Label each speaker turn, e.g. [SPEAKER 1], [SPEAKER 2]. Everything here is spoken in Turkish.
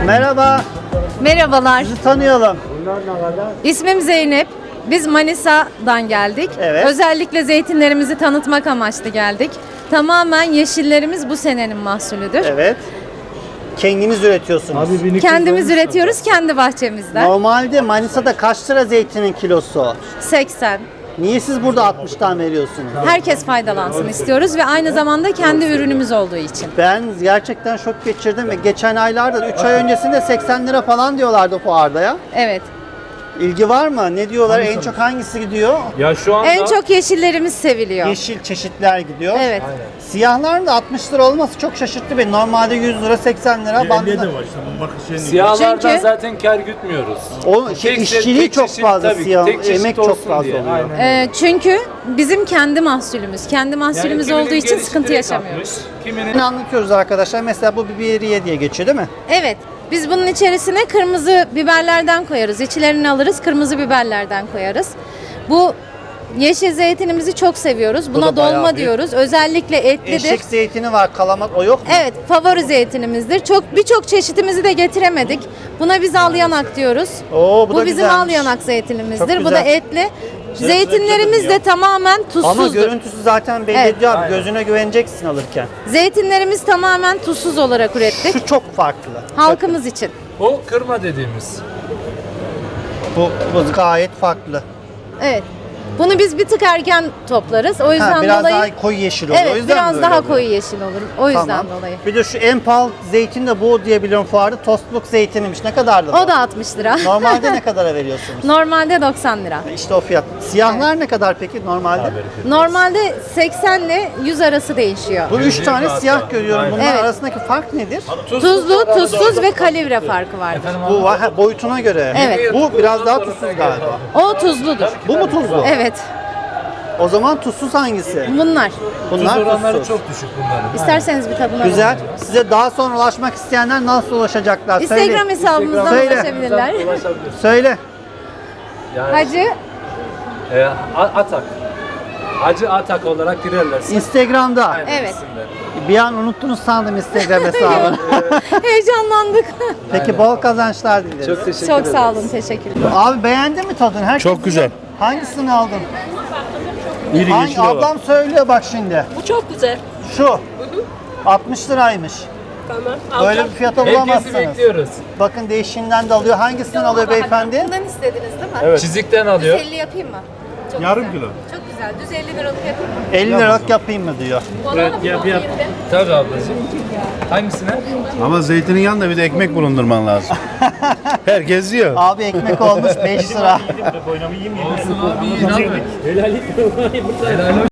[SPEAKER 1] Merhaba,
[SPEAKER 2] Merhabalar.
[SPEAKER 1] sizi tanıyalım.
[SPEAKER 2] İsmim Zeynep. Biz Manisa'dan geldik.
[SPEAKER 1] Evet.
[SPEAKER 2] Özellikle zeytinlerimizi tanıtmak amaçlı geldik. Tamamen yeşillerimiz bu senenin mahsulüdür.
[SPEAKER 1] Evet. Kendiniz üretiyorsunuz.
[SPEAKER 2] Kendimiz üretiyoruz kendi bahçemizden.
[SPEAKER 1] Normalde Manisa'da kaç lira zeytinin kilosu?
[SPEAKER 2] 80.
[SPEAKER 1] Niye siz burada 60'tan veriyorsunuz?
[SPEAKER 2] Herkes faydalansın istiyoruz ve aynı zamanda kendi ürünümüz olduğu için.
[SPEAKER 1] Ben gerçekten şok geçirdim ve geçen aylarda 3 ay öncesinde 80 lira falan diyorlardı fuarda ya.
[SPEAKER 2] Evet.
[SPEAKER 1] İlgi var mı? Ne diyorlar? En çok hangisi gidiyor?
[SPEAKER 3] Ya şu anda
[SPEAKER 2] En çok yeşillerimiz seviliyor.
[SPEAKER 1] Yeşil çeşitler gidiyor.
[SPEAKER 2] Evet.
[SPEAKER 1] Siyahların da 60 lira olması çok şaşırttı beni. Normalde 100 lira 80 lira bandında.
[SPEAKER 4] de var işte. Bak şeyin
[SPEAKER 3] siyahlardan
[SPEAKER 2] Çünkü-
[SPEAKER 3] zaten kar gütmüyoruz.
[SPEAKER 1] O
[SPEAKER 3] Tek-
[SPEAKER 1] işçiliği
[SPEAKER 3] tek
[SPEAKER 1] çok
[SPEAKER 3] çeşit,
[SPEAKER 1] fazla
[SPEAKER 3] tabii ki,
[SPEAKER 1] siyah,
[SPEAKER 3] tek çeşit
[SPEAKER 1] emek çok
[SPEAKER 3] olsun
[SPEAKER 1] fazla
[SPEAKER 3] diye.
[SPEAKER 1] oluyor.
[SPEAKER 3] Aynen.
[SPEAKER 2] Çünkü bizim kendi mahsulümüz. Kendi mahsulümüz
[SPEAKER 3] kiminin
[SPEAKER 2] olduğu için
[SPEAKER 3] gelişi
[SPEAKER 2] sıkıntı
[SPEAKER 3] direkt
[SPEAKER 2] yaşamıyoruz.
[SPEAKER 3] atmış, kiminin
[SPEAKER 1] Şimdi anlatıyoruz arkadaşlar. Mesela bu biberiye diye geçiyor değil mi?
[SPEAKER 2] Evet. Biz bunun içerisine kırmızı biberlerden koyarız. İçlerini alırız, kırmızı biberlerden koyarız. Bu yeşil zeytinimizi çok seviyoruz.
[SPEAKER 1] da
[SPEAKER 2] Buna
[SPEAKER 1] bayağı
[SPEAKER 2] dolma
[SPEAKER 1] büyük.
[SPEAKER 2] diyoruz. Özellikle etlidir.
[SPEAKER 1] Eşek zeytini var, kalamak o yok mu?
[SPEAKER 2] Evet, favori zeytinimizdir. Birçok çeşitimizi de getiremedik. Buna biz al yanak diyoruz.
[SPEAKER 1] Oo, bu da
[SPEAKER 2] bizim
[SPEAKER 1] güzelmiş.
[SPEAKER 2] al yanak zeytinimizdir.
[SPEAKER 1] Çok
[SPEAKER 2] Bu da
[SPEAKER 1] güzel.
[SPEAKER 2] etli. Zeytinlerimiz de tamamen
[SPEAKER 1] Ama
[SPEAKER 2] tuzsuzdur.
[SPEAKER 1] görüntüsü zaten belli
[SPEAKER 2] Evet.
[SPEAKER 1] ediyor abi. Gözüne güveneceksin alırken.
[SPEAKER 2] Zeytinlerimiz tamamen tuzsuz olarak ürettik.
[SPEAKER 1] Şu çok farklı.
[SPEAKER 2] Halkımız için.
[SPEAKER 3] o kırma dediğimiz.
[SPEAKER 1] Bu gayet farklı.
[SPEAKER 2] Evet. Bunu biz bir tık erken toplarız. O yüzden
[SPEAKER 1] Biraz
[SPEAKER 2] dolayı
[SPEAKER 1] daha koyu yeşil oluyor. O
[SPEAKER 2] evet,
[SPEAKER 1] yüzden
[SPEAKER 2] biraz
[SPEAKER 1] böyle
[SPEAKER 2] daha
[SPEAKER 1] oluyor.
[SPEAKER 2] koyu yeşil olur. O yüzden
[SPEAKER 1] Tamam.
[SPEAKER 2] dolayı.
[SPEAKER 1] Bir de şu en pahalı zeytin de bu diye biliyorum fuarda. Tostluk zeytiniymiş. Ne kadardı bu?
[SPEAKER 2] O da 60 lira.
[SPEAKER 1] Normalde ne kadara veriyorsunuz?
[SPEAKER 2] Normalde 90 lira.
[SPEAKER 1] İşte o fiyat. Siyahlar ne kadar peki normalde?
[SPEAKER 2] Normalde 80 ile 100 arası değişiyor.
[SPEAKER 1] Bu 3 tane siyah görüyorum. Bunların
[SPEAKER 2] Evet.
[SPEAKER 1] arasındaki fark nedir?
[SPEAKER 2] Tuzlu, tuzsuz ve kalibre farkı vardır.
[SPEAKER 1] Bu var, ha, boyutuna göre.
[SPEAKER 2] Evet.
[SPEAKER 1] Bu biraz daha tuzsuz galiba.
[SPEAKER 2] O tuzludur.
[SPEAKER 1] Bu mu tuzlu?
[SPEAKER 2] Evet.
[SPEAKER 1] O zaman tuzsuz hangisi?
[SPEAKER 2] Bunlar.
[SPEAKER 1] Bunlar
[SPEAKER 3] Tuz oranları
[SPEAKER 1] tuzsuz.
[SPEAKER 3] çok düşük bunların.
[SPEAKER 2] İsterseniz bir tadına
[SPEAKER 1] Güzel.
[SPEAKER 2] bakın.
[SPEAKER 1] Size daha sonra ulaşmak isteyenler nasıl ulaşacaklar?
[SPEAKER 2] Instagram hesabımızdan
[SPEAKER 1] Söyle.
[SPEAKER 2] ulaşabilirler.
[SPEAKER 1] Söyle.
[SPEAKER 3] Yani,
[SPEAKER 2] Hacı
[SPEAKER 3] Atak. Hacı Atak olarak girerler.
[SPEAKER 1] Instagram'da.
[SPEAKER 3] Aynen
[SPEAKER 2] Evet.
[SPEAKER 3] isimleri.
[SPEAKER 1] Bir an unuttunuz sandım Instagram hesabını.
[SPEAKER 2] heyecanlandık.
[SPEAKER 1] Peki bol kazançlar dileriz.
[SPEAKER 3] Çok teşekkür
[SPEAKER 2] Çok
[SPEAKER 3] ederim.
[SPEAKER 2] sağ olun, teşekkürler.
[SPEAKER 1] Abi beğendin mi tadını? Herkes
[SPEAKER 4] Çok güzel.
[SPEAKER 1] Hangisini aldın?
[SPEAKER 4] İri
[SPEAKER 1] Hangi,
[SPEAKER 4] yeşil hava.
[SPEAKER 1] ablam söylüyor bak şimdi.
[SPEAKER 5] Bu çok güzel.
[SPEAKER 1] Şu. 60 liraymış.
[SPEAKER 5] Tamam.
[SPEAKER 1] Böyle
[SPEAKER 5] Alacağım.
[SPEAKER 1] bir fiyata
[SPEAKER 3] Herkesi
[SPEAKER 1] bulamazsınız.
[SPEAKER 3] bekliyoruz.
[SPEAKER 1] Bakın değişiğinden de alıyor. Hangisinden alıyor beyefendi?
[SPEAKER 2] Bundan istediniz değil mi?
[SPEAKER 3] Çizikten alıyor.
[SPEAKER 2] 50 yapayım mı? Çok
[SPEAKER 4] Yarım
[SPEAKER 2] güzel.
[SPEAKER 4] kilo.
[SPEAKER 2] Çok güzel. Düz 50 liralık yapayım mı?
[SPEAKER 1] 50 liralık yapayım mı diyor.
[SPEAKER 3] Evet, yap. Tabii ablacığım. Hangisine?
[SPEAKER 4] Ama zeytinin yanında bir de ekmek bulundurman lazım. Herkes yiyor.
[SPEAKER 1] Abi ekmek olmuş 5 lira.
[SPEAKER 3] Olsun abi. Helal olsun.